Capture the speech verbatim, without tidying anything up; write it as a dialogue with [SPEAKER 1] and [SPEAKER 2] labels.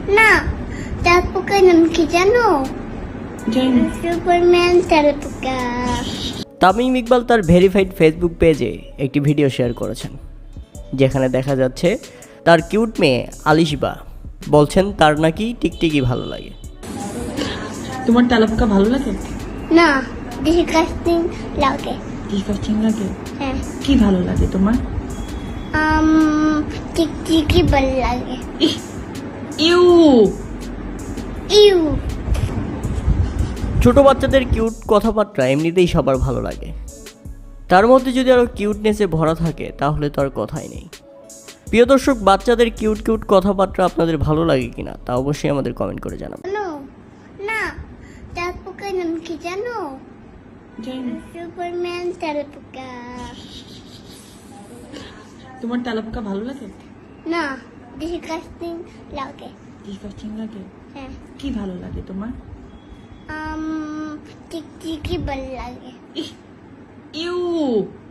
[SPEAKER 1] না, তেলাপোকার নাম কি জানো?
[SPEAKER 2] জানি।
[SPEAKER 1] সুপারম্যান তেলাপোকা।
[SPEAKER 3] তামিম ইকবাল তার ভেরিফাইড ফেসবুক পেজে একটি ভিডিও শেয়ার করেছেন, যেখানে দেখা যাচ্ছে তার কিউট মেয়ে আলিশবা বলছেন তার নাকি টিকটিকি ভালো লাগে।
[SPEAKER 2] তোমার তেলাপোকা ভালো লাগে?
[SPEAKER 1] না, ডিসকাস্টিং লাগে।
[SPEAKER 2] ডিসকাস্টিং লাগে?
[SPEAKER 1] হ্যাঁ।
[SPEAKER 2] কি ভালো লাগে তোমার?
[SPEAKER 1] আম টিকটিকি ভালো লাগে।
[SPEAKER 2] ইহ, ইউ
[SPEAKER 1] ইউ।
[SPEAKER 3] ছোট বাচ্চাদের কিউট কথাবার্তা এমনিতেই সবার ভালো লাগে, তার মধ্যে যদি আরও কিউটনেসে ভরা থাকে তাহলে তো আর কথাই নেই। প্রিয় দর্শক, বাচ্চাদের কিউট কিউট কথাবার্তা আপনাদের ভালো লাগে কিনা তা অবশ্যই আমাদের কমেন্ট করে জানাবেন।
[SPEAKER 1] জানো? না, তেলাপোকার নাম কি জানো?
[SPEAKER 2] জানি।
[SPEAKER 1] সুপারম্যান তেলাপোকা।
[SPEAKER 2] তোমার তেলাপোকা ভালো লাগে?
[SPEAKER 1] না, ডিসকাস্টিং লাগে।
[SPEAKER 2] ডিসকাস্টিং লাগে?
[SPEAKER 1] হ্যাঁ।
[SPEAKER 2] কি ভালো লাগে তোমার?
[SPEAKER 1] আম টিকটিকি ভালো লাগে।
[SPEAKER 2] ইহ, ইউ